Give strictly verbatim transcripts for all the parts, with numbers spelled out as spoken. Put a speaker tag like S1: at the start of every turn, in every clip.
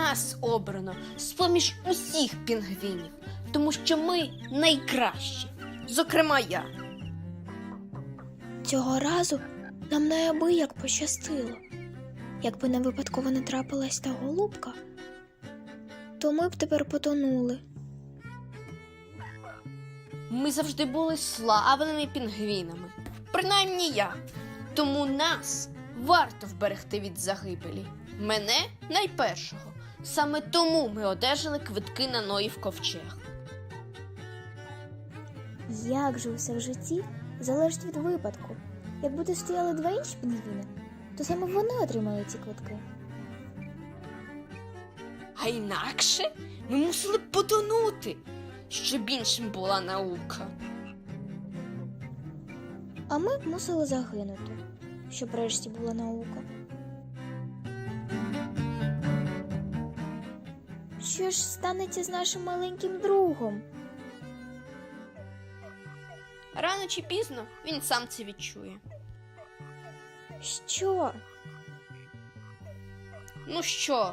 S1: нас обрано з-поміж усіх пінгвінів, тому що ми найкращі, зокрема я.
S2: Цього разу нам неабияк пощастило. Якби не випадково не трапилась та голубка, то ми б тепер потонули.
S1: Ми завжди були славними пінгвінами, принаймні я. Тому нас варто вберегти від загибелі. Мене найпершого. Саме тому ми одержали квитки на Ноїв ковчег.
S2: Як же усе в житті залежить від випадку. Якби тут стояли два інші пінгвіни, то саме вони отримали ці квитки.
S1: А інакше ми мусили б потонути, щоб іншим була наука.
S2: А ми б мусили загинути, щоб врешті була наука. Що ж станеться з нашим маленьким другом?
S1: Рано чи пізно він сам це відчує.
S2: Що?
S1: Ну що,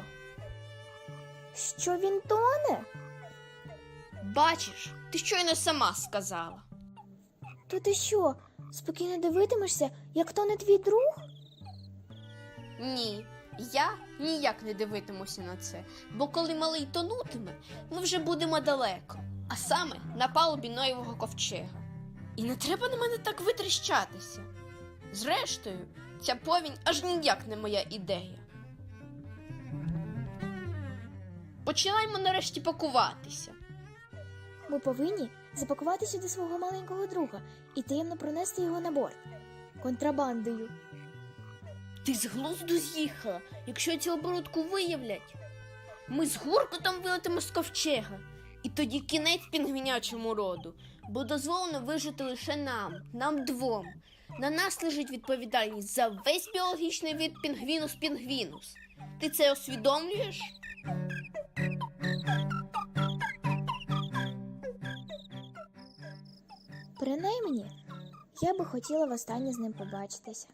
S2: Що він тоне?
S1: бачиш, ти щойно сама сказала.
S2: То ти що, спокійно дивитимешся, як тоне твій друг?
S1: Ні, я ніяк не дивитимуся на це, бо коли малий тонутиме, ми вже будемо далеко, а саме на палубі Ноєвого ковчега. І не треба на мене так витріщатися. Зрештою, ця повінь аж ніяк не моя ідея. Починаємо нарешті пакуватися.
S2: Ми повинні запакувати сюди свого маленького друга і таємно пронести його на борт. Контрабандою.
S1: Ти з глузду з'їхала, якщо цю оборудку виявлять. Ми з гуркотом вилетимо з ковчега. І тоді кінець пінгвінячому роду, бо дозволено вижити лише нам, нам двом. На нас лежить відповідальність за весь біологічний вид пінгвінус пінгвінус. Ти це усвідомлюєш?
S2: Принаймні, я би хотіла востаннє з ним побачитися.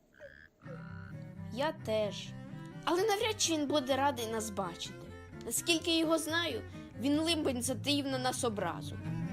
S1: Я теж. Але навряд чи він буде радий нас бачити. Наскільки я його знаю, він либонь затаїв на нас образу.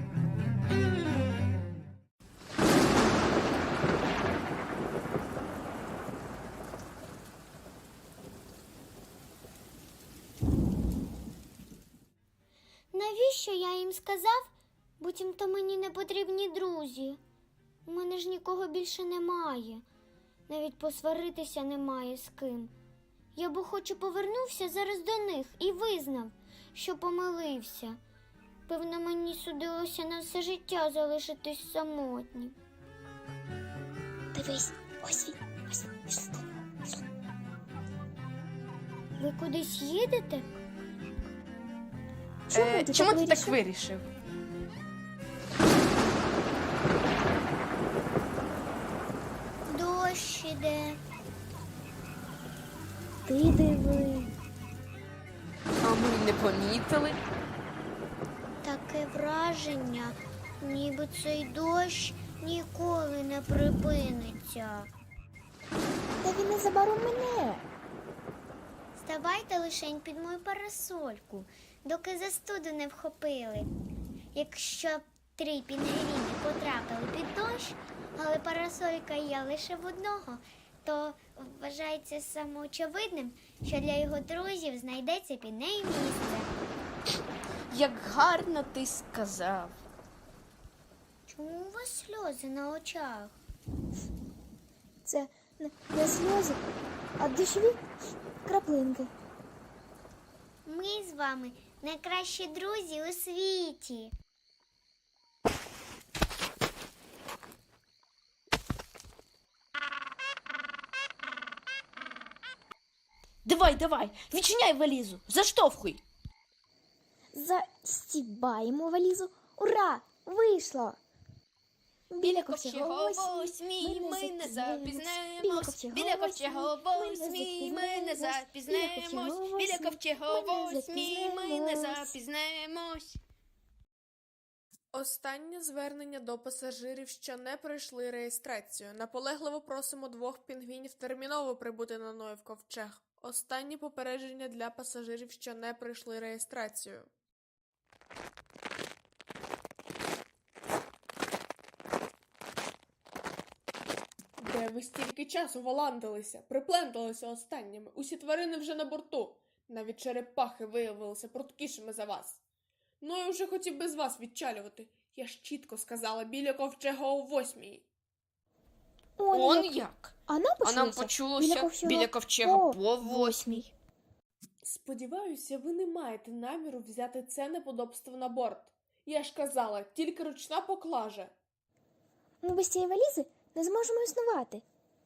S3: Навіщо я їм сказав, буцімто мені не потрібні друзі? У мене ж нікого більше немає. Навіть посваритися немає з ким. Я б охоче повернувся зараз до них і визнав, що помилився. Певно, мені судилося на все життя залишитись самотнім.
S2: Дивись, ось він, ось він, пішли до нього, пішли.
S3: Ви кудись їдете?
S2: Чому
S1: Е,
S2: ти
S1: чому
S2: так
S1: ти так
S2: вирішив?
S1: вирішив?
S3: Дощ іде.
S2: Ти диви.
S1: А ми не помітили.
S3: Таке враження, ніби цей дощ ніколи не припиниться.
S2: Та він незабаром мене.
S3: Ставайте лишень під мою парасольку, доки застуду не вхопили. Якщо б три пінгвіни потрапили під дощ, але парасолька є лише в одного, то вважається самоочевидним, що для його друзів знайдеться під нею місце.
S1: Як гарно ти сказав.
S3: Чому у вас сльози на очах?
S2: Це не, не сльози, а дощові краплинки.
S3: Ми з вами найкращі друзі у світі.
S1: Давай, давай, відчиняй валізу, заштовхуй.
S2: Застібаємо валізу. Ура! Вийшло!
S1: Біля ковчегової смій ми не запізнемось. Біля ковчегової смій ми не запізнемось. Біля ковчегової смій ми не запізнемось.
S4: Останнє звернення до пасажирів, що не пройшли реєстрацію. Наполегливо просимо двох пінгвінів терміново прибути на Ноїв ковчег. Останнє попередження для пасажирів, що не пройшли реєстрацію. Де ви стільки часу валандилися, припленталися останніми? Усі тварини вже на борту. Навіть черепахи виявилися пруткішими за вас. Ну, я вже хотів без вас відчалювати. Я ж чітко сказала біля ковчега о восьмій.
S2: Он,
S1: Он
S2: як.
S1: як?
S2: А нам
S1: А
S2: почулося,
S1: нам почулося
S2: ковчега
S1: біля ковчега
S2: по
S1: по восьмій.
S4: Сподіваюся, ви не маєте наміру взяти це неподобство на борт. Я ж казала, тільки ручна поклажа.
S2: Ми без цієї валізи не зможемо існувати.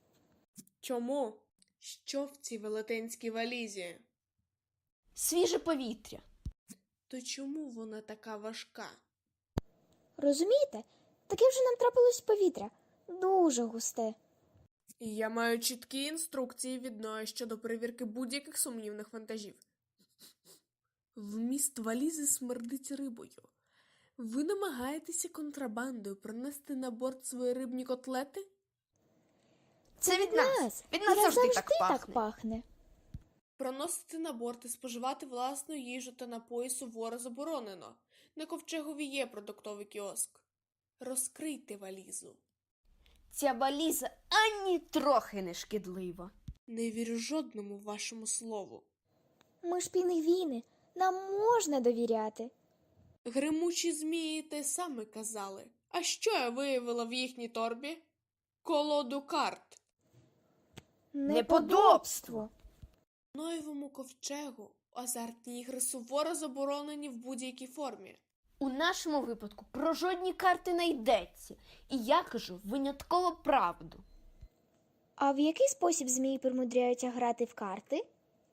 S4: Чому? Що в цій велетенській валізі?
S1: Свіже повітря.
S4: То чому вона така важка?
S2: Розумієте? Таке вже нам трапилось повітря. Дуже густе.
S4: Я маю чіткі інструкції від Ноя щодо перевірки будь-яких сумнівних вантажів. Вміст валізи смердить рибою. Ви намагаєтеся контрабандою принести на борт свої рибні котлети?
S1: Це від нас. Від нас
S2: Нас
S1: завжди так
S2: так
S1: пахне.
S2: пахне.
S4: Проносити на борт і споживати власну їжу та напої суворо заборонено. На ковчегові є продуктовий кіоск. Розкрийте валізу.
S1: Ця валіза ані трохи не шкідлива.
S4: Не вірю жодному вашому слову.
S2: Ми ж пінгвіни. Нам можна довіряти.
S4: Гримучі змії те саме казали. А що я виявила в їхній торбі? Колоду карт.
S1: Неподобство.
S4: Ноєвому ковчегу азартні ігри суворо заборонені в будь-якій формі.
S1: У нашому випадку про жодні карти не йдеться. І я кажу винятково правду.
S2: А в який спосіб змії примудряються грати в карти?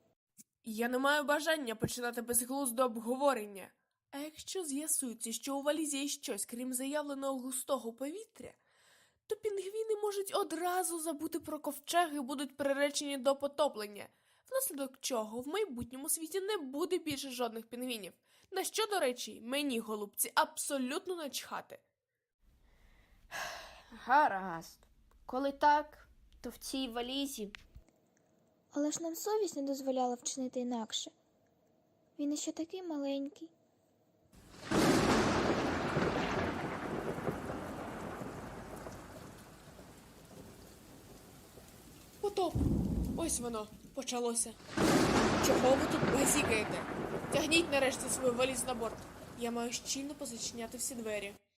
S4: Я не маю бажання починати безглузде обговорення. А якщо з'ясується, що у валізі є щось, крім заявленого густого повітря, то пінгвіни можуть одразу забути про ковчег і будуть приречені до потоплення, внаслідок чого в майбутньому світі не буде більше жодних пінгвінів. На що, до речі, мені, голубці, абсолютно начхати.
S1: Гаразд. Коли так, то в цій валізі
S2: Але ж нам совість не дозволяла вчинити інакше. Він іще такий маленький.
S4: Потоп! Ось воно, почалося. Чого ви тут базікаєте? Тягніть нарешті свою валізу на борт. Я маю щільно позачиняти всі двері.